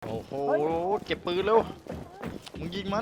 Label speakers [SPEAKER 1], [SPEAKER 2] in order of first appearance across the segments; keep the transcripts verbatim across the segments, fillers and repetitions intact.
[SPEAKER 1] โอ้โหเก็บปืนเร็วมึงยิงมัน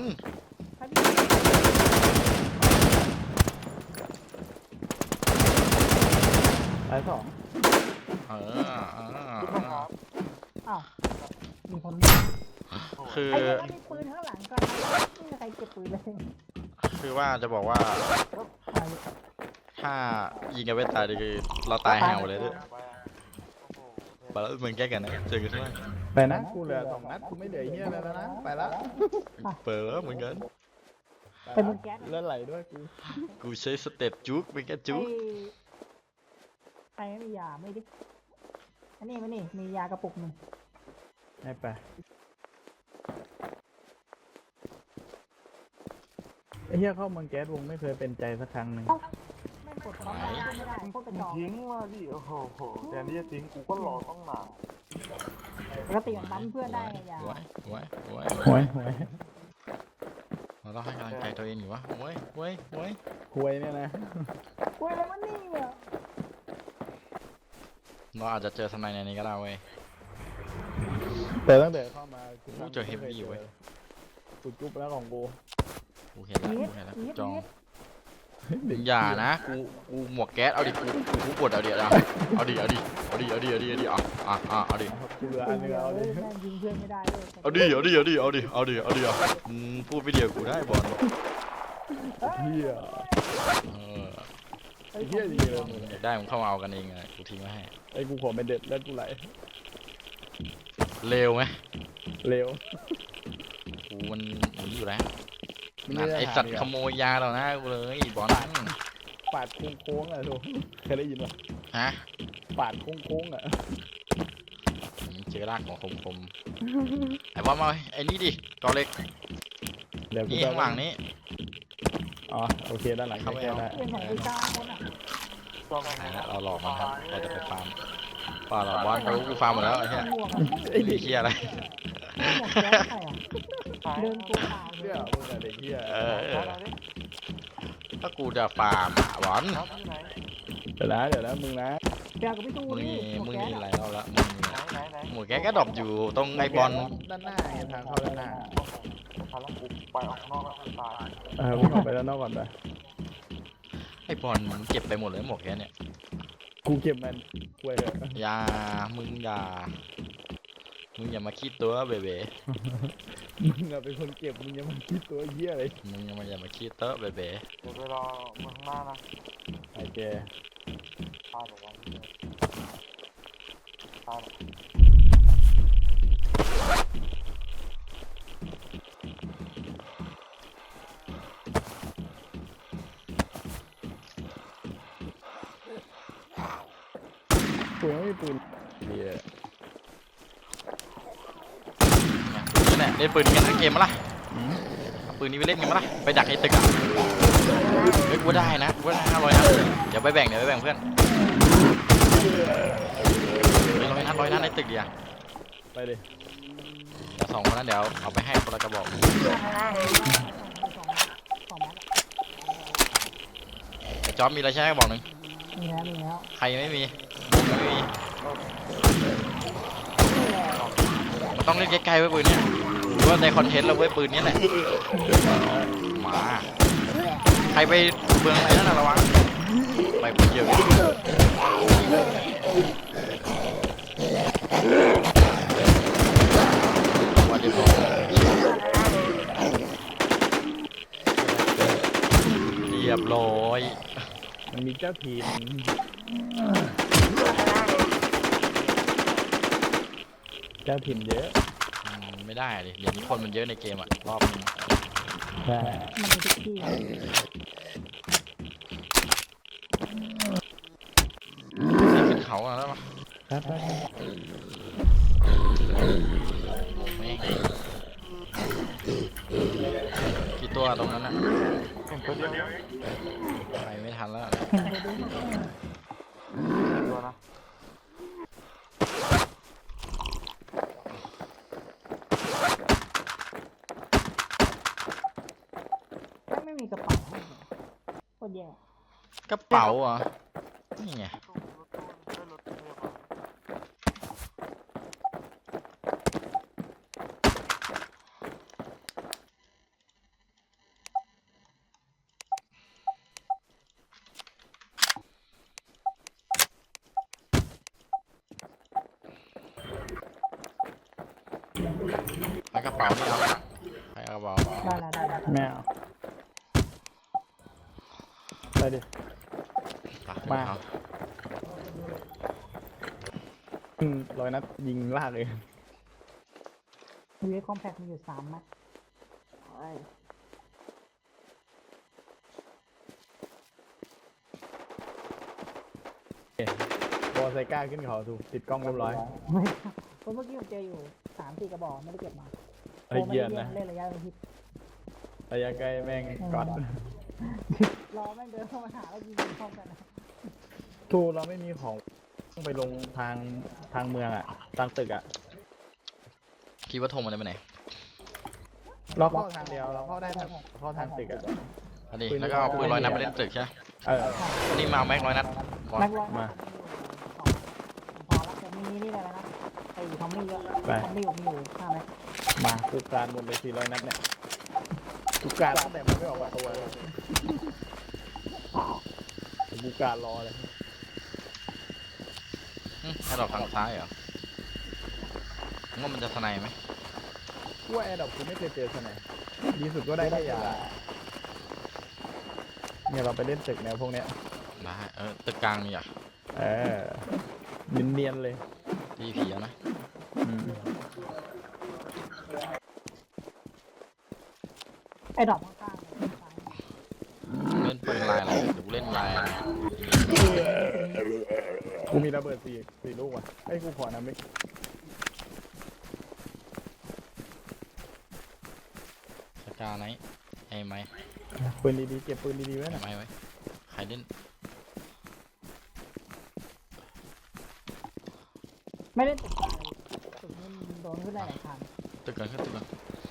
[SPEAKER 2] ตายสอง
[SPEAKER 1] เออเออ
[SPEAKER 3] อ้าวมีคน
[SPEAKER 1] คือ
[SPEAKER 3] ไอ้เนี่ยมันมีปืนข้างหลังก่อนนะไม่มีใครเก็บปืนเลย
[SPEAKER 1] คือว่าจะบอกว่า
[SPEAKER 3] ไป
[SPEAKER 1] ถ้ายิงกันไม่ตายคือเราตายห่าวเลยด้วยไปแล้วมึงแก้กันนะเจอกันใช่ไหม
[SPEAKER 2] ไปนะกูเหลือสองนัดกูไม่เหลือเฮียอะไรแล้วนะไปละ
[SPEAKER 1] เปิดแล้วเหมือนกัน
[SPEAKER 3] เป็นมือแก๊ส
[SPEAKER 2] เลือดไหลด้วยกู
[SPEAKER 1] กูใช้สเต็ปจุกเป็นแค่จุก
[SPEAKER 3] ใครไม่มียาไม่ดิอันนี้มันนี่มียากระปุกหนึ่ง
[SPEAKER 2] ให้ไปไอ้เฮียเข้าเมืองแก๊สวงไม่เคยเป็นใจสักครั้งหนึ่ง
[SPEAKER 3] ไม่กดพร้อมกันไม่ได้พวกกระจอก
[SPEAKER 4] ทิ้งมาดิโอ้โหโหแต่นี่จะทิ้งกูก็รอต้องนาน
[SPEAKER 3] ปกติมันบั๊มเพื่อนได้ไงยา
[SPEAKER 1] ไว้ไว้ไว้
[SPEAKER 2] หวยหวย
[SPEAKER 1] เราต้องให้กำลังใจตัวเองอยู่วะไว้ไว้ไว้
[SPEAKER 2] หวยเนี่ยนะ
[SPEAKER 3] กูอะไรมันนี่อ่ะ
[SPEAKER 1] เราอาจจะเจอสไนในนี้ก็ได้เว้ย
[SPEAKER 2] แต่ตั้งแต่เข้ามากู
[SPEAKER 1] กูเจอ heavy อยู่เว้ย
[SPEAKER 2] กูจุ๊บแล้วของกู
[SPEAKER 1] กูเห็นแล้ว
[SPEAKER 3] นิด
[SPEAKER 1] กูเห็นแล้ว
[SPEAKER 3] นิด
[SPEAKER 1] จอง
[SPEAKER 3] นิด
[SPEAKER 1] อย่านะกูกูหมวกแก๊สเอาดิกูกูกดเอาดิเอาเอาดิเอาดิเอาดิเอาดิเอาดิเอาดิอ่ะอ่ะอ่ะเอาดิ
[SPEAKER 2] กูเหลืออันนึงเอาดิ
[SPEAKER 3] แม่งยิงเพื่อนไม่ได้เลย
[SPEAKER 1] เอาดิเอาดิเอาดิเอาดิเอาดิเอาดิอ่ะอืมพูดไปเดียวกูได้บอล
[SPEAKER 2] เฮีย
[SPEAKER 1] เออ
[SPEAKER 2] ไอ้เฮียดีเลยมึง
[SPEAKER 1] อยากได้มึงเข้ามาเอากันเองไงกูทิ้งไว้ให้
[SPEAKER 2] ไอ้กูขอเป็นเด็ดแล้วกูไหล
[SPEAKER 1] เร็วไหม
[SPEAKER 2] เร็ว
[SPEAKER 1] กูมันหนีอยู่แล้วนั่นไอสัตว์ขโมยยาเรานะกูเลยบอล
[SPEAKER 2] ปาดโค้งๆอ่ะทุกเคยได้ยินป่ะ
[SPEAKER 1] ฮะ
[SPEAKER 2] ปาดโค้งๆอ่ะ
[SPEAKER 1] มึงเจอรากของคมคมไอ้บอลมาไอ้นี่ดิกอเล็ก
[SPEAKER 2] เดี๋ยวกู
[SPEAKER 1] นี่
[SPEAKER 2] จะ
[SPEAKER 1] ข้างหลังนี้
[SPEAKER 2] อ๋อโอเคด้านหลัง
[SPEAKER 1] เข้าไป
[SPEAKER 2] แค่
[SPEAKER 1] เอา
[SPEAKER 2] ได้
[SPEAKER 3] เพื่อนของกูเก้าคนอ่ะ
[SPEAKER 4] ต้อง
[SPEAKER 1] ไหนนะเราหลอกมันครับเราจะไปฟาร์มป่าเราบอลกูกูฟาร์มหมดแล้วไอ้เหี้ย
[SPEAKER 3] หมวกอ่ะ
[SPEAKER 2] ไอ้
[SPEAKER 1] ไอ้
[SPEAKER 2] เด็ก
[SPEAKER 1] เหี้ยอะไร
[SPEAKER 3] หมวกแก๊สใครอ่ะเดินตัวเปล่าเล
[SPEAKER 2] เหี้ย
[SPEAKER 3] ย
[SPEAKER 2] มึงอะเด็กเหี้ย
[SPEAKER 1] เออเออถ้ากูจะฟาร์มอะบอล
[SPEAKER 4] ครับที่ไหน
[SPEAKER 2] เดี๋ยวนะเดี๋ยวนะมึงนะ
[SPEAKER 3] เดี๋ยวกับพี่ตู
[SPEAKER 1] มึง
[SPEAKER 3] นี่
[SPEAKER 1] นี่
[SPEAKER 3] หมว
[SPEAKER 1] มึ
[SPEAKER 3] ก
[SPEAKER 1] ง
[SPEAKER 3] แก๊ส
[SPEAKER 1] นี่ห
[SPEAKER 3] อะ
[SPEAKER 1] ลายรอบแล้วมึงนี่
[SPEAKER 4] ไหนไหนไหน
[SPEAKER 1] หมูแกก็ดรอปอยู่ตรงไอ้บอล
[SPEAKER 2] ด้านหน้าไงทางเข้าด้านหน้า
[SPEAKER 4] พาแล้วกูไปออกนอกแล้วกูตาย
[SPEAKER 2] เออวิ่งออกไปด้านนอกก่อนไป
[SPEAKER 1] ไอ้บอลมันเก็บไปหมดเลยหมวกแกเนี่ย
[SPEAKER 2] กูเก็บมันกล้วยเถอะ
[SPEAKER 1] อย่ามึงอย่ามึงอย่ามาคิดตัวเบเบ้
[SPEAKER 2] มึงอะเป็นคนเก็บมึงยังมันคิดตัวเหี้ยเลย
[SPEAKER 1] มึงอย่ามาอย่ามาคิดเตอะเบเบ้
[SPEAKER 4] เดี๋ยวไปรอมึงข้างหน้านะ
[SPEAKER 2] ไอ้แก
[SPEAKER 4] ตายเดี๋ยววันตาย
[SPEAKER 2] กูยังไม่มีปืนเหี้ย
[SPEAKER 1] นี่แหละเล่นปืนนี้กันทั้งเกมมาละเอาปืนนี้ไปเล่นกันมาละไปดักไอ้ตึกอ่ะเฮ้ยกูได้นะกูได้ห้าร้อยนัดเดี๋ยวไปแบ่งเดี๋ยวไปแบ่งเพื่อนไปร้อยนัดร้อยนัดในตึกเดียว
[SPEAKER 2] ไปดิ
[SPEAKER 1] เดี๋ยวสองคนนั้นเดี๋ยวเอาไปให้คนละกระบอก
[SPEAKER 3] สองแม็กอะ
[SPEAKER 1] ไอ้จ๊อบมีอะไรใช้กระบอกหนึ่ง
[SPEAKER 3] มีแล้วมีแล้ว
[SPEAKER 1] ใครยังไม่มีไม่มีมันต้องเล่นใกล้ๆไว้ปืนเนี้ยหรือว่าในคอนเทนต์เราไว้ปืนนี้แหละมาใครไปเบืองอะไรนั่นน่ะระวังไปปืนเยอะวันเดียวเรียบร้อย
[SPEAKER 2] มันมีเจ้าทีมเจ้าทีมเยอะ
[SPEAKER 1] อืมไม่ได้ดิเดี๋ยวนี้คนมันเยอะในเกมอะรอบนึง
[SPEAKER 2] ใช่
[SPEAKER 3] มันมีทุกที่
[SPEAKER 1] ขึ้นเขาอะแล้วปะ
[SPEAKER 2] ครับครับ
[SPEAKER 1] โอ้แม่งกี่ตัวตรงนั้นอะ
[SPEAKER 4] เห็นตัวเดียวเ
[SPEAKER 1] ไปไม่ทันแล้ว
[SPEAKER 3] เห็นไปดู
[SPEAKER 4] ห็นตัวนะ
[SPEAKER 3] ไม่มีกระเป๋าให้เลยโคตรแย่
[SPEAKER 1] กระเป๋าเหรอนี่ไง
[SPEAKER 4] ตู้รถตู้ได้รถพยาบาล
[SPEAKER 1] แล้วกระเป๋านี่เอาใครเอากระเป๋า
[SPEAKER 3] ได้แล้วได้แล้ว
[SPEAKER 2] แมวไปดิ
[SPEAKER 1] มา
[SPEAKER 2] มา อืมร้อยนัดยิงลากเลย
[SPEAKER 3] ยูเอคอมแพคมีอยู่สามนัด
[SPEAKER 2] บอลไซก้าขึ้นเขาถูกติดกล้องเรียบร้อย
[SPEAKER 3] ไม่เพราะเมื่อกี้ผมเจออยู่สามสี่กระบอกไม่ได้เก็บมา
[SPEAKER 2] ไอ้เกียนนะ
[SPEAKER 3] เล่นระยะประชิด
[SPEAKER 2] ระยะใกล้แม่งก๊อต
[SPEAKER 3] รอแม่งเดินเข้ามาหาแล้วยิงพร้อมกันนะ
[SPEAKER 2] ทูเราไม่มีของต้องไปลงทางทางเมืองอ่ะทางตึกอ่ะ
[SPEAKER 1] คิดว่าโทรมันจะไปไหน
[SPEAKER 2] เราเข้าทางเดียวเราเข้าได้ทางเข้าทางตึกอ่ะ
[SPEAKER 1] อันนี้แล้วก็เอาปืนร้อยนัดไปเล่นตึกใช่ไหม
[SPEAKER 2] เออ
[SPEAKER 1] อันนี้มาเอาแม็กร้อยนัดบอล
[SPEAKER 3] แม็กร้อย
[SPEAKER 2] มา
[SPEAKER 3] พอแล้วจะมีนี่อะไรนะไอ้ทอมมี่ก็ทอมมี่ผมมีอยู่ห้าไหม
[SPEAKER 2] มาทุกการหมดเลยสี่ร้อยนัดเนี่ยทุกการตั้งแต่มันไม่ออกประตูเลยทุกการรอเลย
[SPEAKER 1] อืมให้เราทางซ้ายเหรอมึงว่ามันจะสไนไหม
[SPEAKER 2] กูว่าแอร์ดรอปกูไม่เคยเจอสนยดีสุดก็ได้แค่ยาเนี่ยเราไปเล่นตึกแนวพวกเนี้ย
[SPEAKER 1] ได้เออตึกกลางนี่อ่ะ
[SPEAKER 2] เออเนียนๆเลย
[SPEAKER 1] ดีผีอะนะ
[SPEAKER 2] อืม
[SPEAKER 3] ไอ้ดอกข้างๆซ้าย
[SPEAKER 1] เล่นปืนลายอะไรเดี๋ยวกูเล่นลายอะไร
[SPEAKER 2] กูมีระเบิดสี่สี่ลูกว่ะไอ้ยกูขอนะมิก
[SPEAKER 1] สกาไหนไอ้ไม้
[SPEAKER 2] ปืนดีๆเก็บปืนดีๆไว้
[SPEAKER 1] ไอ้
[SPEAKER 2] นะ
[SPEAKER 1] ไม้ไว้ใครเล่น
[SPEAKER 3] ไม่ได้ตึกอะไรตึกนี้มันโดนขึ้นได้หลายทาง
[SPEAKER 1] ตึกกันขึ้นตึกกัน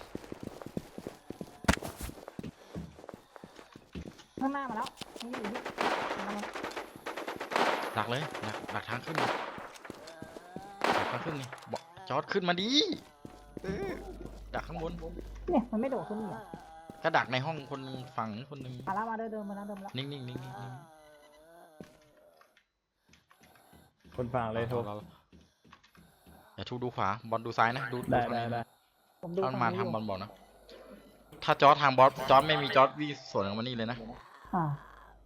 [SPEAKER 3] ข้างหน้ามาแล้วนี่อยู่ที่มาแล้ว
[SPEAKER 1] ดักเลยดักดักทางขึ้นดิดักทางขึ้นนี่บอกจอดขึ้นมาดิเออดักข้างบน
[SPEAKER 3] เนี่ยมันไม่โดดขึ้นนี่หรอ
[SPEAKER 1] ก็ดักในห้องคนหนึงฝั่งคนหนึง
[SPEAKER 3] มาแล้วมาเดินเดินมาแล้วเดินมาแล้ว
[SPEAKER 1] นิ่งๆนิ่งๆนิ่งๆนิ่ง
[SPEAKER 2] คนฟัง
[SPEAKER 1] ๆ
[SPEAKER 2] เลยโทร
[SPEAKER 1] เราอย่าทูดูขวาบอลดูซ้ายนะดู
[SPEAKER 2] ได้
[SPEAKER 1] ทาง
[SPEAKER 2] ได้
[SPEAKER 1] นี้
[SPEAKER 2] ได้
[SPEAKER 3] ผมดู
[SPEAKER 1] ถ้ามันมา
[SPEAKER 3] ฝั่งนี้
[SPEAKER 1] ทางบอล
[SPEAKER 3] อยู่
[SPEAKER 1] บอกนะถ้าจอร์จทางบอสจอร์จไม่มีจอร์จวิ่งสวนกับมันนี่เลยนะ
[SPEAKER 3] อ่า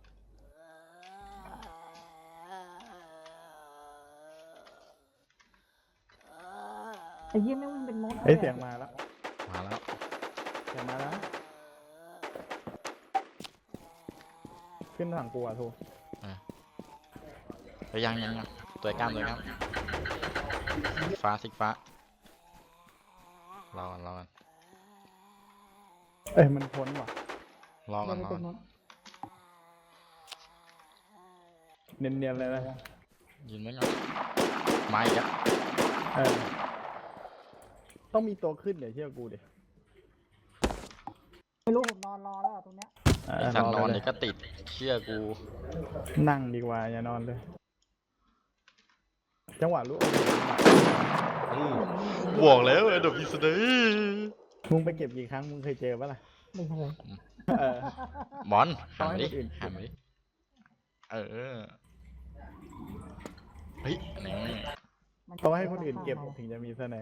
[SPEAKER 3] ไอ้เยี่ยไม่งวิ่งเป็นมด
[SPEAKER 2] เอ้ยเสียงมาแล้ว
[SPEAKER 1] มาแล้ว
[SPEAKER 2] เสียงมาแล้วขึ้นฝั่งกูอ่ะโทร
[SPEAKER 1] ไปยังยังยังตัวกล้ามตัวกล้ามสิกฟ้าสิกฟ้ารอกันรอกัน
[SPEAKER 2] เอ้ยมันพ้นว่ะ
[SPEAKER 1] รอกั
[SPEAKER 3] เดิ
[SPEAKER 1] น
[SPEAKER 3] น
[SPEAKER 1] รอ
[SPEAKER 3] เป็
[SPEAKER 1] กัน น
[SPEAKER 3] มด
[SPEAKER 2] เนียนๆเลยนะ
[SPEAKER 1] ยืนไว้ก่อนมาอีกแล้ว
[SPEAKER 2] เออต้องมีตัวขึ้นเดี๋ยวเชื่อกูดิ
[SPEAKER 3] ไม่รู้ผมนอนรอแล้วอะตรงเนี้ย
[SPEAKER 2] เอ
[SPEAKER 1] ไอ
[SPEAKER 2] อ
[SPEAKER 1] สัตว์นอน
[SPEAKER 2] ร
[SPEAKER 1] เดี๋ยวก็ติดเชื่อกู
[SPEAKER 2] นั่งดีกว่าอย่านอนเลย จังหวะรู้
[SPEAKER 1] บอกแล้วไอ้ดอกพิสเดย์
[SPEAKER 2] มึงไปเก็บกี่ครั้งมึงเคยเจอปะล่ะ
[SPEAKER 3] ไม่เคย
[SPEAKER 2] เออ
[SPEAKER 1] บอลหันมาดิ
[SPEAKER 2] เอาให้คนอื่น
[SPEAKER 1] หันมาดิเออเฮ้ยนี่
[SPEAKER 3] มันจะ
[SPEAKER 2] ต้องให้คนอื่นเก็บถึงจะมีเสน่ห์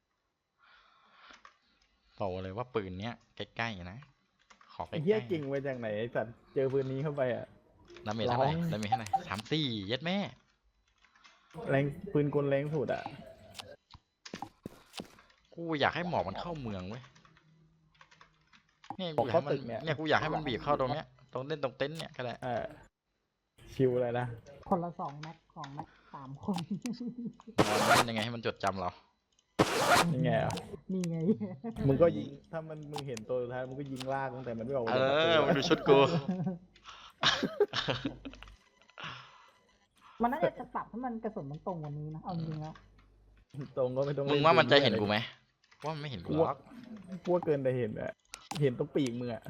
[SPEAKER 1] บอกเลยว่าปืนเนี้ยใกล้ๆนะขอใก
[SPEAKER 2] ไอ้
[SPEAKER 1] ล้ๆ
[SPEAKER 2] เหี้ยจริงไว้จากไหนไอ้สัตว์เจอปืนนี้เข้าไปอ่ะ
[SPEAKER 1] ดาเมจเท่าไหร่
[SPEAKER 2] ร้อง
[SPEAKER 1] ดาเมจเท่าไหร่สามสี่เย็ดแม่
[SPEAKER 2] แรงปืนกลแรงสุดอ่ะ
[SPEAKER 1] กูอยากให้หมอกมันเข้าเมืองเว้ยเนี่ยกูอยาก
[SPEAKER 2] เข้า
[SPEAKER 1] ให้มัน
[SPEAKER 2] ตึกเนี่ย
[SPEAKER 1] เนี่ยกูอยากให้มันบีบเข้าตรงเนี้ยตรงเล่นตรงเต็นท์เนี่ยก็ได้
[SPEAKER 2] เออชิวเลยนะ
[SPEAKER 3] คนละสองแม็กสองแม็กสามคน
[SPEAKER 1] เราเล่นยังไงให้มันจดจำเรา
[SPEAKER 2] ยังไงอ่ะ
[SPEAKER 3] นี่ไง
[SPEAKER 2] มึงก็ยิงถ้ามันมึงเห็นตัวสุดท้ายมึงก็ยิงลากตั้งแต่มันไม่ออก
[SPEAKER 1] เอ
[SPEAKER 2] จากประตู
[SPEAKER 1] อมึงดูชุดกู
[SPEAKER 3] มันน่าจะปรับให้มันกระสุนมันตรงกว่านี้นะเอาจริงๆแล้ว
[SPEAKER 2] ตรงก็ไม่ต้อง
[SPEAKER 1] มึงว่ามันจะเห็นกูไหมว่ามันไม่เห็นกู
[SPEAKER 2] กู
[SPEAKER 1] หร
[SPEAKER 2] ว่า
[SPEAKER 1] อก
[SPEAKER 2] กูว่าเกินแต่เห็นอ่ะเห็นตรงปีกมึงอ่ะ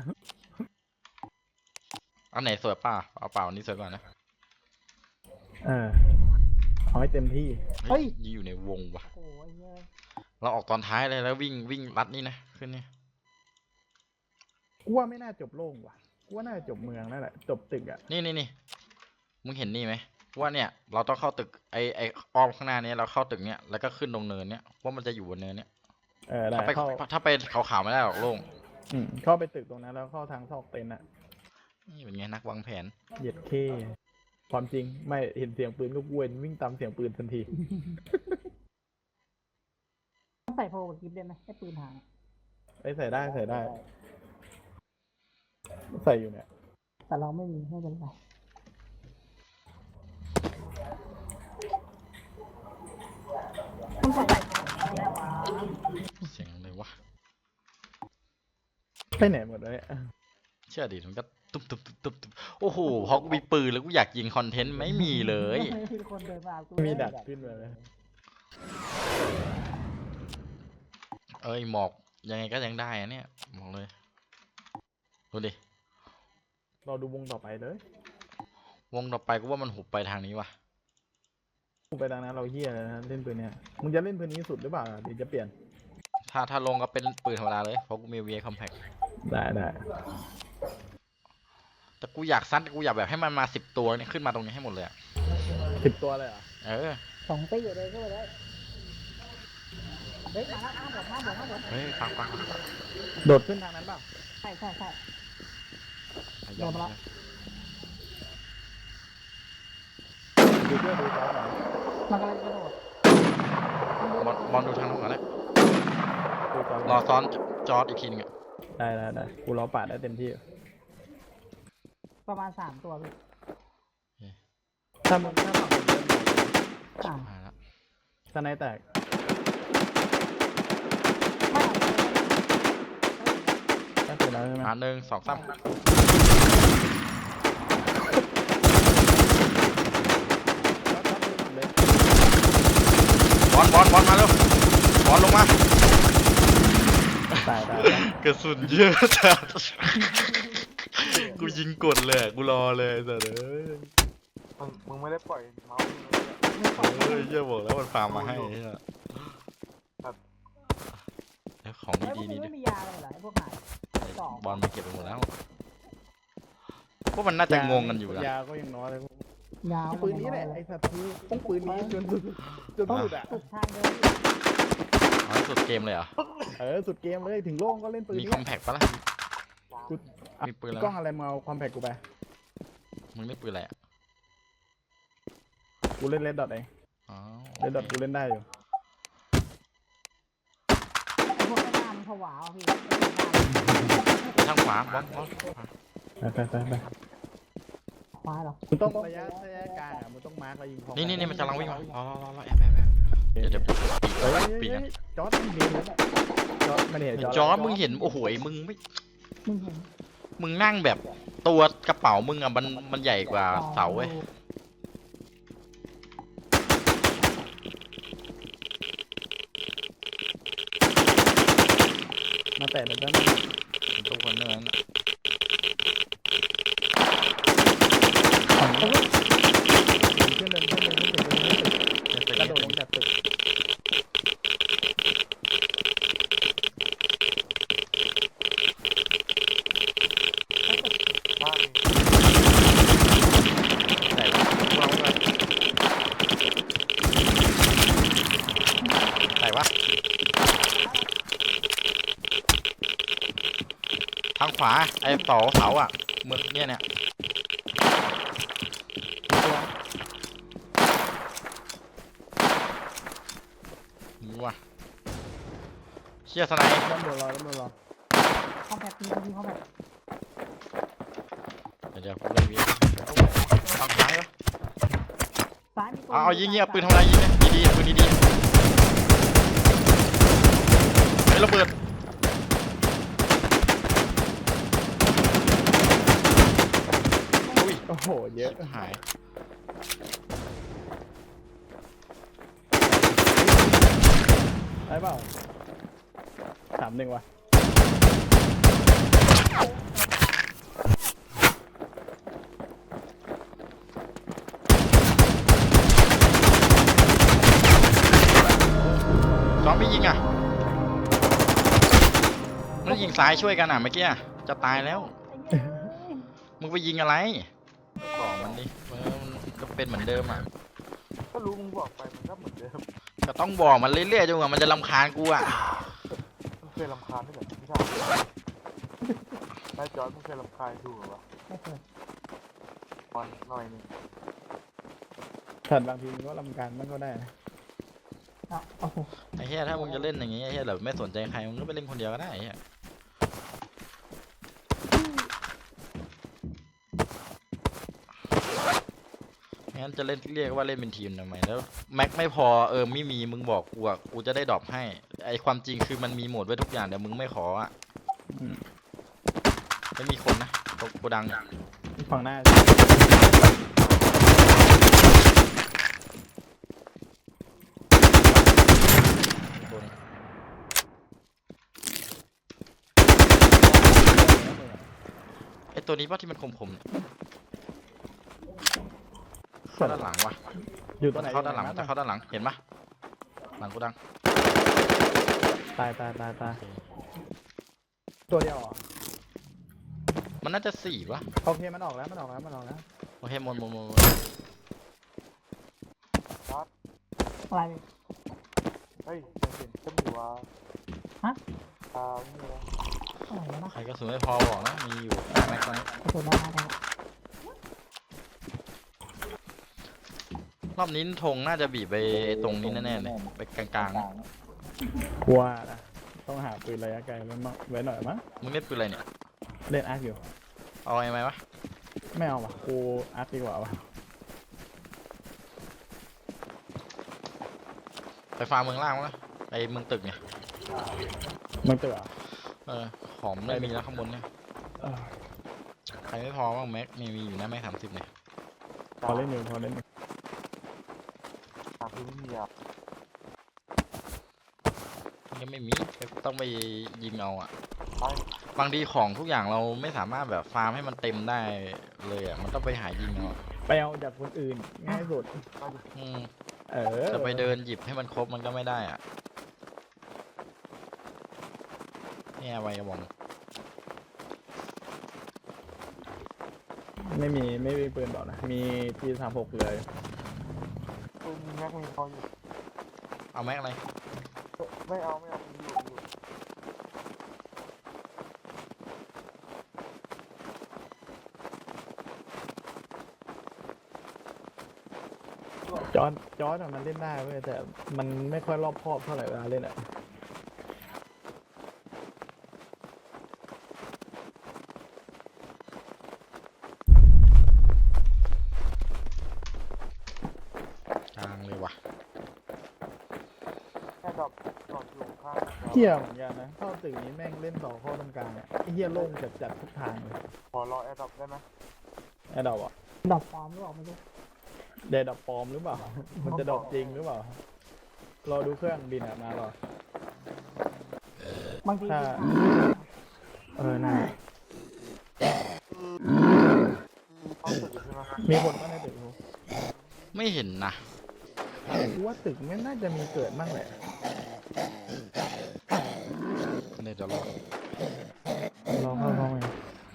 [SPEAKER 1] อันไหนสวยป่ะเอาเปล่าอันนี้สวยกว่านะ
[SPEAKER 2] เออเอาให้เต็มที่
[SPEAKER 1] เฮ้ยอยู่ในวงว่ะ
[SPEAKER 3] โอ้ยเยอะ
[SPEAKER 1] เราออกตอนท้ายเลยแล้ววิ่งวิ่งรัดนี่นะขึ้นนี่
[SPEAKER 2] กูว่าไม่น่าจบโล่งว่ะกูว่าน่าจะจบเมืองนั่นแหละจบตึกอ่ะ
[SPEAKER 1] นี่นี่นี่มึงเห็นนี่ไหมว่าเนี่ยเราต้องเข้าตึกไอไออ้อมข้างหน้านี้เราเข้าตึกเนี้ยแล้วก็ขึ้นตรงเนินเนี้ยว่ามันจะอยู่บนเนินเนี้ย
[SPEAKER 2] เออได้
[SPEAKER 1] ถ้าไป
[SPEAKER 2] เข้า
[SPEAKER 1] ถ้าไปขาวๆไม่ได้หรอกโล่ง
[SPEAKER 2] อืมเข้าไปตึกตรงนั้นแล้วเข้าทางซอกเต็นท์อ่ะ
[SPEAKER 1] นี่เป็นไงนักวางแผน
[SPEAKER 2] เหยียดเข้ความจริงไม่เห็นเสียงปืนก็กวนวิ่งตามเสียงปืนทันที
[SPEAKER 3] ต้องใส่โพกับกิฟต์ได้ไหมให้ปืนหาง
[SPEAKER 2] ไอ้ยใส่ได้ใส่ได้ ใส่อยู่เนี่ย
[SPEAKER 3] แต่เราไม่มีไม่เป็นไรต้องใส่
[SPEAKER 1] เสียงอะไรวะ
[SPEAKER 2] ไปไหนหมดเลย
[SPEAKER 1] เชื่อดิมันก็ตุ๊บตุ๊บตุ๊บตุ๊บตุ๊บโอ้โหพอกูมีปืนแล้วกูอยากยิงคอนเทนต์ไม่มีเลย
[SPEAKER 3] มีคนเดินมากู
[SPEAKER 2] มีดัดขึ้นมาเลย
[SPEAKER 1] เอ้ยหมอกยังไงก็ยังได้อะเนี่ยบอกเลยดูดิ
[SPEAKER 2] เราดูวงต่อไปเลยว
[SPEAKER 1] งต่อไปกูว่ามันหุบไปทางนี้ว่ะ
[SPEAKER 2] กูไปทางนั้นเราเฮี้ยเลยนะเล่นปืนเนี่ยมึงจะเล่นปืนนี้สุดหรือเปล่าเดี๋ยวจะเปลี่ยน
[SPEAKER 1] ถ้าถ้าลงก็เป็นปืนธรรมดาเลยเพราะกูมี วี เอ Compact
[SPEAKER 2] ได้ได้
[SPEAKER 1] แต่กูอยากซัดกูอยากแบบให้มันมาสิบตัวเนี่ยขึ้นมาตรงนี้ให้หมดเลยอะ
[SPEAKER 2] สิบตัวเลยเหรอ
[SPEAKER 1] เออ
[SPEAKER 3] สองตีอยู่เลยก็เลยเฮ้ยมาแล้วอ้ามบอกมาบอกมาบอก
[SPEAKER 1] เฮ้ยฟังฟังฟัง
[SPEAKER 2] โดดขึ้นทางนั้นเปล่า
[SPEAKER 3] ใช่ใช่ใช่
[SPEAKER 1] ยอม
[SPEAKER 3] โดนมาละ
[SPEAKER 2] ดูเพื่อดูจอหน่อย
[SPEAKER 3] มันกำลังกระโดด
[SPEAKER 1] บอลบอลดูทางนู้นก่อนเลย
[SPEAKER 2] ดูจอ
[SPEAKER 1] รอซ้อนจอร์ดอีกทีนึงอะ
[SPEAKER 2] ได้ได้ได้กูรอปาดได้เต็มที่
[SPEAKER 3] ประมาณสามตัวพี่
[SPEAKER 2] ถ้ามึงถ้าฝั่งมึงเล่น
[SPEAKER 3] อ่า
[SPEAKER 1] มาแล้ว
[SPEAKER 2] สไนแตก
[SPEAKER 3] ไม่เอา
[SPEAKER 2] ก็คือแล้วใช่ไหม
[SPEAKER 1] อ่าหนึ่งสองสามบอลบอลบอลมาเร็วบอลลงมา
[SPEAKER 2] ตายตาย
[SPEAKER 1] กระสุนเยอะจัดกูยิงกดเลยอะกูรอเลยแต่เอ้ย
[SPEAKER 4] มึงมึงไม่ได้ปล่อยเมาส์มึงเลยอะ
[SPEAKER 1] เฮ้ยเหี้ยบอกแล้วมันฟาร์มมาให้เหี้ย
[SPEAKER 4] ครับ
[SPEAKER 1] แล้วของ
[SPEAKER 3] แล้วพว
[SPEAKER 1] ดี
[SPEAKER 3] ก
[SPEAKER 1] ๆ
[SPEAKER 3] มึง
[SPEAKER 1] นี่
[SPEAKER 3] ไม่
[SPEAKER 1] ด้วย
[SPEAKER 3] มียาเลยเหรอไอ้พวกหายสอง
[SPEAKER 1] บอลมาเก็บไปหมดแล้วพวกมันน่าจะงงกันอยู่นะ
[SPEAKER 2] ยาก็ยังน้อยเลย
[SPEAKER 3] ยาว
[SPEAKER 2] ปืนนี้แหละไอ้สัตว์คือต้องปืนนี้จนสุดจนสุดอ่ะ
[SPEAKER 3] สุดทางเดิน
[SPEAKER 1] เอาให้สุดเกมเลยเหรอ
[SPEAKER 2] เออสุดเกมเลยถึงโล่งก็เล่นปืน
[SPEAKER 1] มี
[SPEAKER 2] นี้
[SPEAKER 1] คอมแพกปะล่ะ
[SPEAKER 2] กู
[SPEAKER 1] มีปืนแล้ว
[SPEAKER 2] กล้องอะไรมาเอาความแพกกูไป
[SPEAKER 1] มึงเล่นปืนอะไรอ่ะ
[SPEAKER 2] กูเล่นเลดดอทเอง
[SPEAKER 1] อ๋อ
[SPEAKER 2] เลดดอทกูเล่นได้อยู่
[SPEAKER 3] ไอ้พวกข้างหน้ามันผวาอ่ะพี่
[SPEAKER 1] ทางขวาบอลบอล
[SPEAKER 2] ไปไปไปไป
[SPEAKER 3] ขวาเหรอ
[SPEAKER 2] มึงต้องระยะระยะกลางอ่ะมึงต้องมาร์กแล้วยิงพร้อม
[SPEAKER 1] นี่นี่นี่มันกำลังวิ่งมารอรอรอรอแอบแอบแอบเดี๋ยวเดี๋ยว
[SPEAKER 2] เฮ้ย
[SPEAKER 1] ปีกัน
[SPEAKER 2] จอร์ดมึงเห็นแล้วจอร์ดมันเห็น
[SPEAKER 1] จอร์ดมึงเห็นโอ้โหมึงไม่
[SPEAKER 3] มึงเห็น
[SPEAKER 1] มึงนั่งแบบตัวกระเป๋ามึงอ่ะมันมันใหญ่กว่าเสาเว้ย
[SPEAKER 2] มาแตะแต่ด้าน
[SPEAKER 1] ทุกคนเท่านั้นอะ
[SPEAKER 2] ขึ้นเดินขึ้นเดินขึ้นเดินขึ้นเดิน
[SPEAKER 1] เนี่ยเป็น
[SPEAKER 2] กระ
[SPEAKER 1] ไง
[SPEAKER 2] โดดลงจากตึก
[SPEAKER 4] บ้าน
[SPEAKER 1] ไหนวะพวกเราอะไรไหนวะทางขวาไอ้เสาเสาอ่ะมึงเนี่ยเนี่ยนี่ว่ะเชี่ยสไนด์
[SPEAKER 2] ด้านบนรอด้านบนรอ
[SPEAKER 3] คอมแพคมีมีคอมแพค
[SPEAKER 1] เดี๋ยวเดี๋ยวกูเล่นวีทางซ้ายวะ
[SPEAKER 3] ซ้ายมีตัว
[SPEAKER 1] เอาเอายิงเงี้ยปืนทำอะไรยิงเนี่ยดีๆปืนดีๆเฮ้ยระเบิด อุ้ย
[SPEAKER 2] โอ้โหเยอะ
[SPEAKER 1] หาย
[SPEAKER 2] ได้เปล่าสามหนึ่งว่ะ
[SPEAKER 1] จอมไม่ยิงอ่ะมันยิงซ้ายช่วยกันอ่ะเมื่อกี้อะจะตายแล้ว มึงไปยิงอะไรบอกมันดิเออมันก็เป็นเหมือนเดิมอ่ะ
[SPEAKER 4] ก็รู้มึงบอกไปมันก็เหมือนเดิม
[SPEAKER 1] ก็ต้องบอกมันเรื่อยๆจนกว่ามันจะรำคาญกูอ่ะ
[SPEAKER 4] เคยรำคาญไหมแบบไม่ใช่ไอ้จอร์ดมึงเคยรำคาญดูเหรอวะ
[SPEAKER 3] ไม่เคย
[SPEAKER 4] มันหน่อยหนึง
[SPEAKER 2] แต่บางทีมันก็รำคาญมันก็ได้นะ
[SPEAKER 3] อ่ะโอ้โห
[SPEAKER 1] ไอ้เหี้ยถ้ามึงจะเล่นอย่างงี้ไอ้เหี้ยแบบไม่สนใจใครมึงก็ไปเล่นคนเดียวก็ได้ไอ้เหี้ยงั้นจะเล่นเรียกว่าเล่นเป็นทีมทำไมแล้วแม็กไม่พอเออไม่มีมึงบอกกูอ่ะกูจะได้ดรอปให้ไอความจริงคือมันมีโหมดไว้ทุกอย่างแต่มึงไม่ขออ่ะ
[SPEAKER 2] อืม
[SPEAKER 1] ไม่มีคนนะตกโกดังเนี่ย
[SPEAKER 2] ฝั่งหน้า
[SPEAKER 1] โดนไอตัวนี้ป่ะที่มันคมๆเนี่ยเข้าด้านหลังวะ
[SPEAKER 2] อยู่ตร
[SPEAKER 1] มั
[SPEAKER 2] ง
[SPEAKER 1] น
[SPEAKER 2] ไหน
[SPEAKER 1] เข้าด้านหลัง
[SPEAKER 2] อยู่
[SPEAKER 1] จะ
[SPEAKER 2] ไ
[SPEAKER 1] เข้าด้านหลังเห็นปะหลังโกดัง
[SPEAKER 2] ตายตายตายตายตัวเดียวเหรอ
[SPEAKER 1] มันน่าจะสี่ปะ
[SPEAKER 2] โอเคมันออกแล้วมันออกแล้วมันออกแล้ว
[SPEAKER 1] โอเคหมดหมดหมดหมด
[SPEAKER 3] อะไร
[SPEAKER 4] เฮ้ยยังเห็นจะมีว่า
[SPEAKER 3] ฮะ
[SPEAKER 4] อ่านี่นะ
[SPEAKER 3] อะไรวะนะ
[SPEAKER 1] ใครกระสุนไม่พอบอกนะมีอยู่แม็กซ์ตอนนี้
[SPEAKER 3] กระสุนได้ได้ได้
[SPEAKER 1] รอบนี้ธงน่าจะบีบไปตรงนี้แน่ๆเลยไปกลางๆนะ
[SPEAKER 2] กลัวนะต้องหาปืนระยะไกลไว้มาไว้หน่อยมั้ง
[SPEAKER 1] มึงเล่นปืนอะไรเนี่ย
[SPEAKER 2] เล่นอาร์คอยู่
[SPEAKER 1] เอาไอ้ไหมวะ
[SPEAKER 2] ไม่เอาว่ะกูอาร์คดีกว่าว่ะ
[SPEAKER 1] ไปฟาร์มเมืองล่างวะไปเมืองตึกเนี่ย
[SPEAKER 2] มึงเตือ
[SPEAKER 1] เออของไม่มีแล้วข้างบนเนี่ย
[SPEAKER 2] เออ
[SPEAKER 1] ใครไม่พอบ้างแม็กมีมีอยู่นะแม็กสามสิบเนี่ย
[SPEAKER 2] พอเล่นอยู่พอเล่นอยู่
[SPEAKER 4] ตามที่ไม่มีอ่ะ
[SPEAKER 1] ยังไม่มีต้องไปยิงเอาอ่ะ
[SPEAKER 4] ไป
[SPEAKER 1] บางทีของทุกอย่างเราไม่สามารถแบบฟาร์มให้มันเต็มได้เลยอ่ะมันต้องไปหายิงเอา
[SPEAKER 2] ไปเอาจากคนอื่นง่ายสุด
[SPEAKER 4] ไปดิ
[SPEAKER 1] อืม
[SPEAKER 2] เออ
[SPEAKER 1] จะไปเดินหยิบให้มันครบมันก็ไม่ได้อ่ะเนี่ยไวกระบอก
[SPEAKER 2] ไม่มีไม่มีปืนบอกนะมีทีสามหกเลย
[SPEAKER 4] เออมีแม็กมีพออยู่
[SPEAKER 1] เอาแม็กอะไร
[SPEAKER 4] เอ้ยไม่เอาไม่เอามีอยู่มีอยู่
[SPEAKER 2] จอร์ดจอร์ดอะมันเล่นได้เว้ยแต่มันไม่ค่อยรอบคอบเท่าไหร่เวลาเล่นอะ
[SPEAKER 1] กลางเลยว่ะ
[SPEAKER 4] แค่ดรอปดรอปอยู่ข้าง
[SPEAKER 2] เฮี้ยเหมือนกันนะเข้าตึกนี้แม่งเล่นต่อข้อตรงกลางอะไอ้เฮี้ยโล่งจัดจัดทุกทางเลย
[SPEAKER 4] พอรอแอร์ดรอปได้ไหม
[SPEAKER 2] ไอ้ดอกอะ
[SPEAKER 3] ดอกปลอมหรือเปล่าไม่รู้
[SPEAKER 2] เดดดอกปลอมหรือเปล่า มันจะดอกจริงหรือเปล่ารอดูเครื่องบินอะมารอบ
[SPEAKER 3] างที
[SPEAKER 2] ถ้าเออน่า
[SPEAKER 4] เข้าตึกอยู่ใช่ไหม
[SPEAKER 2] มีคนก็ในตึกกู
[SPEAKER 1] ไม่เห็นนะ
[SPEAKER 2] กูว่าตึกไม่น่าจะมีเกิดบ้างแหละ
[SPEAKER 1] เดี๋ยวจะรอ
[SPEAKER 2] รอเข้าห้องไง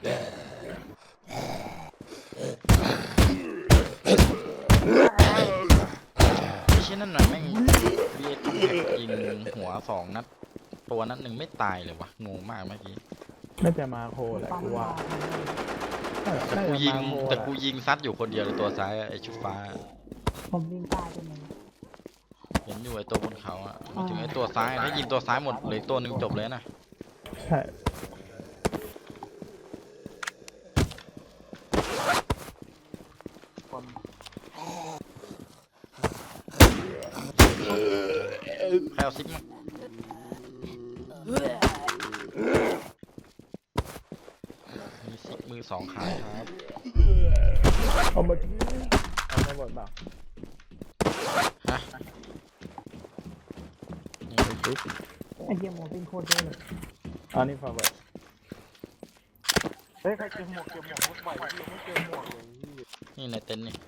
[SPEAKER 1] ไม่ใช่นั่นหน่อยแม่งเรียกคอมแพคยิงหัวสองนัดตัวนัดหนึ่งไม่ตายเลยวะงงมากเมื่อกี้
[SPEAKER 2] น่าจะมาโคแหละ
[SPEAKER 3] ปั๊ม
[SPEAKER 2] กูว่า
[SPEAKER 3] มา
[SPEAKER 2] เออ
[SPEAKER 1] แต่
[SPEAKER 2] น่า
[SPEAKER 1] กู
[SPEAKER 2] จะ
[SPEAKER 1] ยิง
[SPEAKER 2] มาโค
[SPEAKER 1] แต่
[SPEAKER 2] แหละ
[SPEAKER 1] กูยิงซัดอยู่คนเดียวเลยตัวซ้ายอะไอชุดฟ้า
[SPEAKER 3] ผมยิงตายไปหนึ่ง
[SPEAKER 1] เห็นอยู่ไอตัวบนเขาอะไม่ถึงไอตัวซ้ายถ้ายิงตัวซ้ายหมดเหลยตัวหนึ่งจบเลยนะ
[SPEAKER 2] ใช่
[SPEAKER 4] คน
[SPEAKER 1] ใครเอาซิปมามีซิปมือสองขายครับ
[SPEAKER 2] เอามาเอามาบดเปล่า
[SPEAKER 1] ฮะ
[SPEAKER 2] นี่ดูสิ
[SPEAKER 3] ไอ้เหี้ยหมวกเป็นโคตรเยอะเลย
[SPEAKER 2] อันนี้ฟอร์เวิร์ด
[SPEAKER 4] เฮ้ยใครเจอหมวกเจอหมวกมุกใหม่ที่ยังไม่เจอหมวกเลยพี่
[SPEAKER 1] นี่ในเต็นท์นี่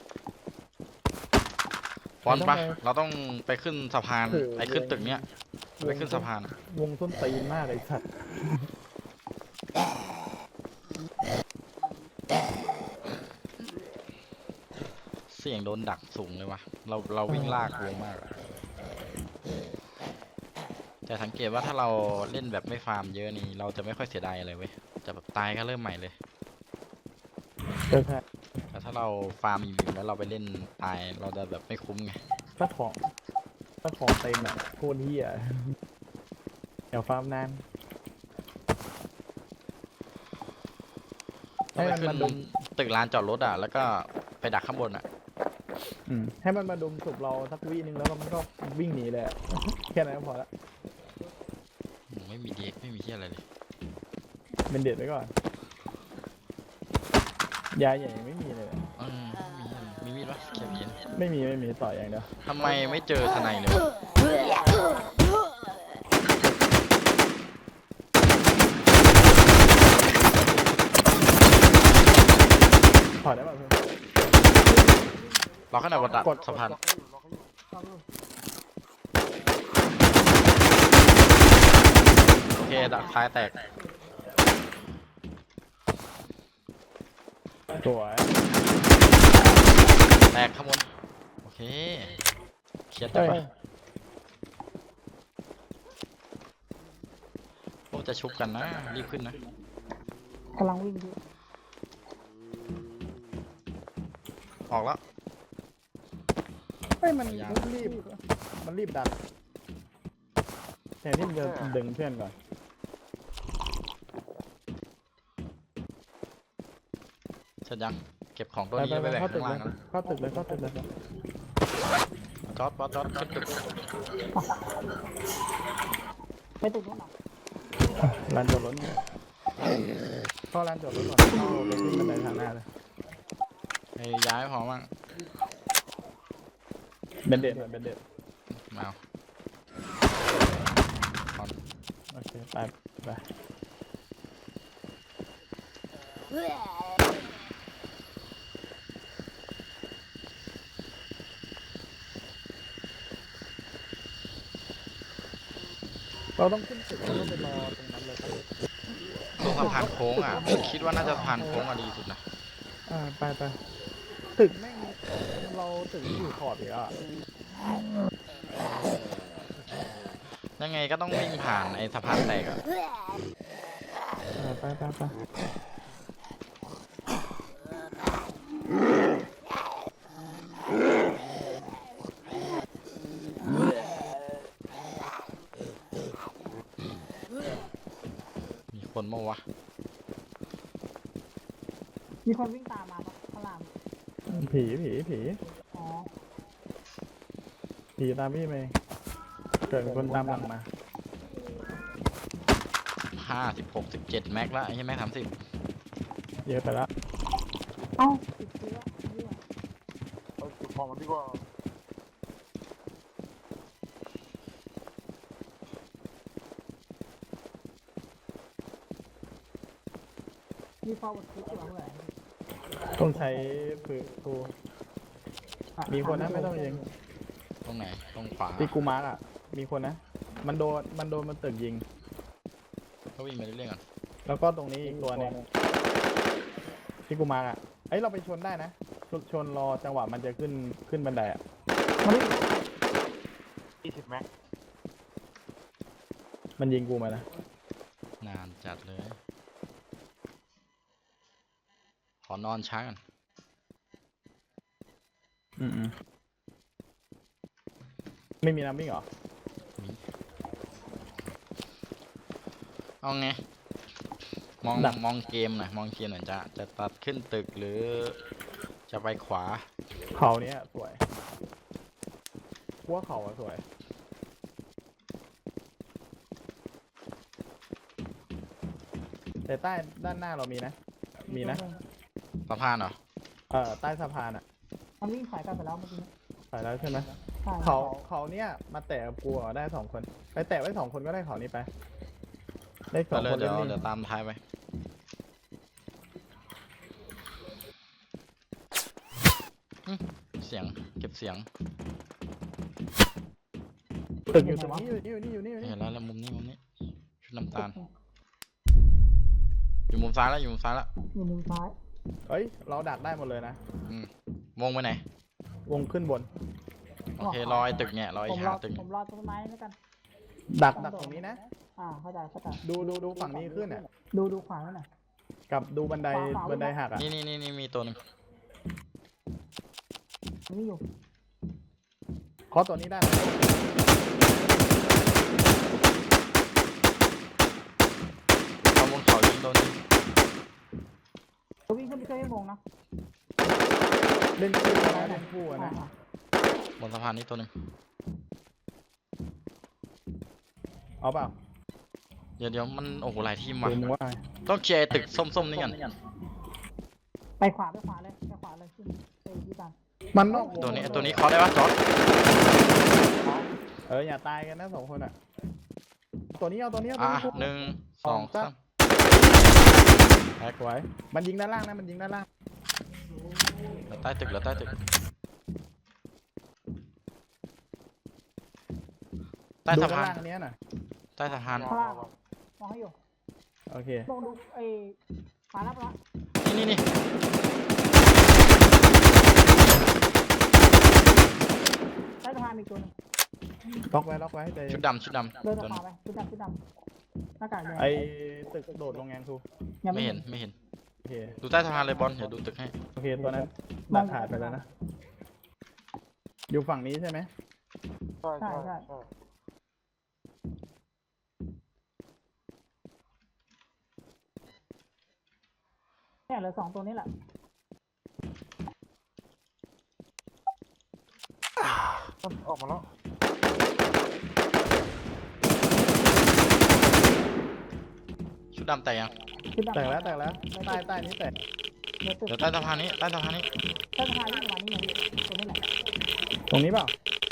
[SPEAKER 1] ฟอนต์ปะเราต้องไปขึ้นสะพานไอขึ้นตึกเนี้ยไปขึ้นสะพานอะ
[SPEAKER 2] วงส้นตีนมากไอ้สัตว์
[SPEAKER 1] เสี่ยงโดนดักสูงเลยวะเราเราวิ่งลากวงมากอะแต่สังเกตว่าถ้าเราเล่นแบบไม่ฟาร์มเยอะนี่เราจะไม่ค่อยเสียดายอะไรเว้ยจะแบบตายก็เริ่มใหม่เลย
[SPEAKER 2] เออใช่
[SPEAKER 1] แต่ถ้าเราฟาร์มอยู่แล้วเราไปเล่นตายเราจะแบบไม่คุ้มไง
[SPEAKER 2] ถ้าของถ้าของเต็มอ่ะโคตรเฮียเดี๋ยวฟาร์มนาน
[SPEAKER 1] ต้องไป
[SPEAKER 2] ให้มัน
[SPEAKER 1] ขึ้
[SPEAKER 2] มาน ดุม
[SPEAKER 1] ตึกลานจอดรถอ่ะแล้วก็ไปดักข้างบนอ่ะ
[SPEAKER 2] อืมให้มันมาดุมศพเราสักวินึงแล้วมันก็วิ่งหนีเลยอะ แค่นั้นก็พอละ
[SPEAKER 1] อืมไม่มีเด็กไม่มีเชี่ยอะไรเลย
[SPEAKER 2] เป็นเด็ดไว้ก่อนยาใหญ่ยังไม่มีเลยอะ
[SPEAKER 1] อืมไม่มีอะไรมีมีดปะเขียบเย็น
[SPEAKER 2] ไม่มีไม่มีต่ออย่างเดียว
[SPEAKER 1] ทำไมไม่เจอทนายเลยวะ
[SPEAKER 2] ถอดได้ป่ะเพื่อน
[SPEAKER 1] เราขนาดวัดดัด
[SPEAKER 2] กด
[SPEAKER 1] สะพาน
[SPEAKER 4] ล็อกให้อยู่ล็อกให้อยู่
[SPEAKER 3] เอาดู
[SPEAKER 1] โอเคดักท้ายแตก
[SPEAKER 2] สวย
[SPEAKER 1] แตกข้างบนโอเคเคลียร์จั
[SPEAKER 2] เอ้
[SPEAKER 1] ง
[SPEAKER 2] ย
[SPEAKER 1] ปะโอ้จะชุบกันนะรีบขึ้นนะ
[SPEAKER 3] กำลังวิ่งดู
[SPEAKER 1] ออกแล้ว
[SPEAKER 2] เฮ้ยมัน
[SPEAKER 1] พยายาม
[SPEAKER 2] รีบมันรีบดันแทนที่มันจะดึงเพื่อนก่อน
[SPEAKER 1] เสร็จยังเก็บของตัว
[SPEAKER 2] ไป
[SPEAKER 1] นี้
[SPEAKER 2] ไป
[SPEAKER 1] แล้ว
[SPEAKER 2] ไป
[SPEAKER 1] ไปแบ่ง
[SPEAKER 2] เข้าตึ
[SPEAKER 1] ข้าก ง
[SPEAKER 2] เล
[SPEAKER 1] ล่าย งนะ
[SPEAKER 2] เข้าตึกเลยเข้าตึกเลย
[SPEAKER 1] จอดจอดจอดขึ้นตึก
[SPEAKER 3] ไปตึกนู้นเหรอ
[SPEAKER 2] ลานจอดรถเนี่ยเข้าลานจอดรถก่อนเข้าไปขึ้นบันไดทางหน้าเลย
[SPEAKER 1] ให้ย้ายพอมั่ง
[SPEAKER 2] เบนเด็ดหน่อยเบนเด็ด
[SPEAKER 1] มาเอา
[SPEAKER 2] โอเคไปไปเราต้องขึ้นตึกแล้วก็ไปรอตรงนั้นเลยครับ
[SPEAKER 1] ตรงสะพานโค้งอ่ะคิดว่าน่าจะสะพานโค้งอ่ะดีสุดนะ
[SPEAKER 2] อ่าไปไปตึกแม่งเราตึกอยู่ขอบอีกแล้วอะ
[SPEAKER 1] ยังไงก็ต้องวิ่งผ่านไอ้สะพานแตกอ่ะ
[SPEAKER 2] อ่าไปไปไป
[SPEAKER 1] มีคนมั้งวะ
[SPEAKER 3] มีคนวิ่งตามมาปะพระราม
[SPEAKER 2] ผีผีผี
[SPEAKER 3] อ๋อ
[SPEAKER 2] ผีตามพี่ไปเกิดคนตามหลังมา
[SPEAKER 1] ห้าสิบหกสิบเจ็ดแม็กแล้วไอ้ใช่ไหมสามสิบ
[SPEAKER 2] เยอะไปละ
[SPEAKER 3] เอ้าติดเชื้อเหี้ย
[SPEAKER 4] เอาเก็บของมันดีกว่า
[SPEAKER 3] มี forward click อยู่เหรอ
[SPEAKER 2] ต้องใช้ผืนกูมีคนนะไม่ต้องยิง
[SPEAKER 1] ตรงไหนตรงขวา
[SPEAKER 2] ที่กูมาร์กอ่ะ มีคนนะ มันโดนมันโดนมันตึกยิง
[SPEAKER 1] เขาวิ่งไปเรื่อยๆก่อน
[SPEAKER 2] แล้วก็ตรงนี้อีกตัวหนึงที่กูมาร์กอ่ะเอ้ยเราไปชนได้นะชนชนรอจังหวะมันจะขึ้นขึ้นบันไดอ่ะ
[SPEAKER 4] ยี่สิบแม็ก
[SPEAKER 2] มันยิงกูมานะ
[SPEAKER 1] นานจัดเลย ขอนอนช้ากัน
[SPEAKER 2] อืมอืมไม่มีน้ำวิ่งเหรอ
[SPEAKER 1] เอาไง มอง
[SPEAKER 2] ดัก
[SPEAKER 1] มองเกมหน่อยมองเกมหน่อยจะจะตัดขึ้นตึกหรือ จะไปขวา
[SPEAKER 2] เขาเนี้ยสวยกูว่าเขาอะสวย แต่ใต้ด้านหน้าเรามีนะ มีนะ
[SPEAKER 1] สะพานเหรอ
[SPEAKER 2] เอ่อใต้สะพานอ่ะ
[SPEAKER 3] มันวิ่งถอยกลับไปแล้วเมื่อกี้
[SPEAKER 2] ไปแล้วใช่ไหม
[SPEAKER 3] ใช่
[SPEAKER 2] เขาเขาเนี้ยมาแตะกับกูอะได้สองคน ไปแตะไว้สองคนก็ได้เขานี้ไป ได้ส
[SPEAKER 1] ก็
[SPEAKER 2] อง
[SPEAKER 1] เลย
[SPEAKER 2] คน
[SPEAKER 1] เดี๋ยว
[SPEAKER 2] เล่น
[SPEAKER 1] เดี๋ยว
[SPEAKER 2] นี่
[SPEAKER 1] ตามท้ายไปอืมเสียงเก็บเสียง
[SPEAKER 2] ตึกอยู่ตรงนี้อยู่นี่อยู่นี่อยู่นี่อยู่
[SPEAKER 1] เห็
[SPEAKER 2] นี่
[SPEAKER 1] นแล้วแล้วมุมนี้มุมนี้ชุดน้ำตาล อยู่มุมซ้ายแล้วอยู่มุมซ้ายแล้ว
[SPEAKER 3] อยู่มุมซ้าย
[SPEAKER 2] เอ้ย เราดักได้หมดเลยนะ
[SPEAKER 1] อืมวงไปไหน
[SPEAKER 2] วงขึ้นบน
[SPEAKER 1] โอเครอยตึกเนี่ยรอย
[SPEAKER 3] ผมร
[SPEAKER 1] หา
[SPEAKER 3] อ
[SPEAKER 1] ตึก
[SPEAKER 3] ผมรอต้นไม้แล้วกัน
[SPEAKER 2] ดักดักตรงนี้นะ
[SPEAKER 3] อ่าเข้าใจเข้าใจ
[SPEAKER 2] ดูดูดูฝั่งนี้ขึ้นอ่ะ
[SPEAKER 3] ดูดูขวาแล้วหน่อย
[SPEAKER 2] กับดูบันได
[SPEAKER 3] ขวาขวา
[SPEAKER 2] บันไดหักอ่ะ
[SPEAKER 1] นี่นี่นี่นี่มีตัวหนึง
[SPEAKER 3] นี่อยู่
[SPEAKER 2] เคาะตัวนี้ได้ไหม
[SPEAKER 1] เอาบนเขายิงตัวนี้
[SPEAKER 3] ตัววิ่งขึ้นไปช่วยให้มงนะ
[SPEAKER 2] เล่นคู่นะเล่นคู่อะนะ
[SPEAKER 3] อ่า
[SPEAKER 1] บนสะพานนี้ตัวหนึง
[SPEAKER 2] เอาเปล่า
[SPEAKER 1] เดี๋ยวเดี๋ยวมันโอ้โหหลายทีมว่ะ
[SPEAKER 2] ดูมึงว่า
[SPEAKER 1] ต้องเคลียร์ไอ้ตึกส้มๆนี่กัน
[SPEAKER 3] ไปขวาไปขวาเลยไปขวาเลยขึ้นไปที่ตาม
[SPEAKER 2] มันนอกวง
[SPEAKER 1] ตัวนี้ไอ้ตัวนี้เคาะได้ปะจอร์ด
[SPEAKER 2] เอออย่าตายกันนะสองคนอ่ะ ตัวนี้เอาตัวนี้เอาตัว
[SPEAKER 1] อ่ะ
[SPEAKER 2] นี้คู่
[SPEAKER 1] หนึ่งสองสาม
[SPEAKER 2] แอกไว้มันยิงด้านล่างนะมันยิงด้านล่าง
[SPEAKER 1] เหลือใต้ตึกเหลือใต้ตึกใต้
[SPEAKER 2] ดู
[SPEAKER 1] สะ
[SPEAKER 2] ด้าน
[SPEAKER 1] พาน
[SPEAKER 2] ล่างเนี้ยน่ะ
[SPEAKER 1] ใต้สะพาน
[SPEAKER 3] ข้างล่างมองให้อยู่
[SPEAKER 2] โอเค
[SPEAKER 3] ลองดูไอ้ขวารับละ
[SPEAKER 1] นี่นี่นี่
[SPEAKER 3] ใต้สะพานมีตัวหนึง
[SPEAKER 2] ล็อกไว้ล็อกไว้ใจ
[SPEAKER 1] ชุดดำชุดดำ
[SPEAKER 3] เดิน
[SPEAKER 1] ตัว
[SPEAKER 3] ข
[SPEAKER 1] นี้
[SPEAKER 3] วาไปชุดดำชุดดำหน้ากากแดง
[SPEAKER 2] ไอตึกโดดลงแงงทู
[SPEAKER 3] ยัง
[SPEAKER 1] ไม่
[SPEAKER 3] ไม่
[SPEAKER 1] เห็
[SPEAKER 3] เห็
[SPEAKER 1] น
[SPEAKER 3] น
[SPEAKER 1] ไม่เห็น
[SPEAKER 2] โอเค
[SPEAKER 1] ดูใต้สะพานเลยบอลเดี๋ยวดูตึกให้
[SPEAKER 2] โอเคตัวนั้นดักขาดไปแล้วนะอยู่ฝั่งนี้ใช่ไหม
[SPEAKER 4] ใช่ใช่ใช่
[SPEAKER 3] เนี่ยเหลือสองตัวนี้แหละ
[SPEAKER 4] มันออกมาแล้ว
[SPEAKER 1] ชุดดำแต่ยัง
[SPEAKER 3] ชุดดำ
[SPEAKER 2] แตกแล้วแตกแล้วใต้ใต้นี้แตก
[SPEAKER 3] เหลือตึก
[SPEAKER 1] เดี๋ยวใต้สะพานนี้ใต้สะพานนี้
[SPEAKER 3] ใต้สะพานนี่ประมาณนี้ไงตัวนี้แหละ
[SPEAKER 2] ตรงนี้เปล่า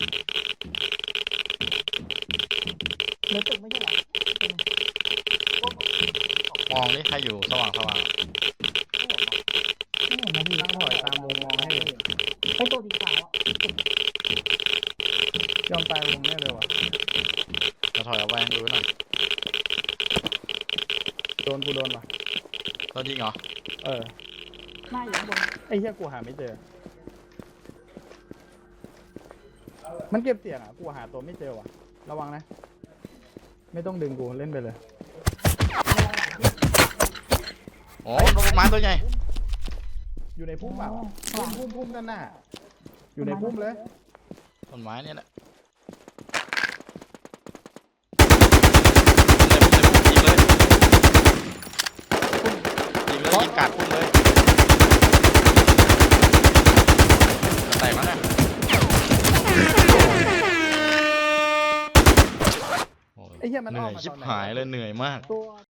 [SPEAKER 3] เหลือตึกไม่ใช่เหรอตัวหนึ่ง
[SPEAKER 1] มองนี่ใครอยู่สว่างสว่าง
[SPEAKER 3] ไม่เห็นนะพี่
[SPEAKER 2] ตั้งถอยตามวงมองให้
[SPEAKER 3] ไอ้ตัวสีขาวอ่ะ
[SPEAKER 2] ยอมตายวงแน่เลยว่ะ
[SPEAKER 1] จะถอยออกไปดูหน่อย
[SPEAKER 2] โดนกูโดนว่ะ
[SPEAKER 1] ตัวยิงเหรอ
[SPEAKER 2] เออ
[SPEAKER 3] หน้าอยู่ข้างบน
[SPEAKER 2] ไอ้เหี้ยกูหาไม่เจอ มันเก็บเสียงอ่ะ กูหาตัวไม่เจอว่ะ ระวังนะ ไม่ต้องดึงกูเล่นไปเลย
[SPEAKER 1] โอ้ต้นไม้ตัวใหญ่
[SPEAKER 2] อยู่ในพุ่มเปล่า
[SPEAKER 3] ข้างห
[SPEAKER 2] พุ่
[SPEAKER 3] ลั
[SPEAKER 2] ม
[SPEAKER 3] ง
[SPEAKER 2] พุ่มพุ่มด้านหน้า อยู่ในพุ่มเลย
[SPEAKER 1] ต้นไม้เนี่ยแหละยิงเลยยิงเลยยิงกาดพุ่มเลยจะแตกแล้วเนี่ยโอ้ย
[SPEAKER 2] ไอ้เหี้ยมัน
[SPEAKER 1] เห
[SPEAKER 2] อ
[SPEAKER 1] นื่
[SPEAKER 2] อ
[SPEAKER 1] อก ย
[SPEAKER 2] มา
[SPEAKER 1] ชิบ
[SPEAKER 2] ตอนไหน
[SPEAKER 1] หายเลยเหนื่อยมาก
[SPEAKER 3] ตัว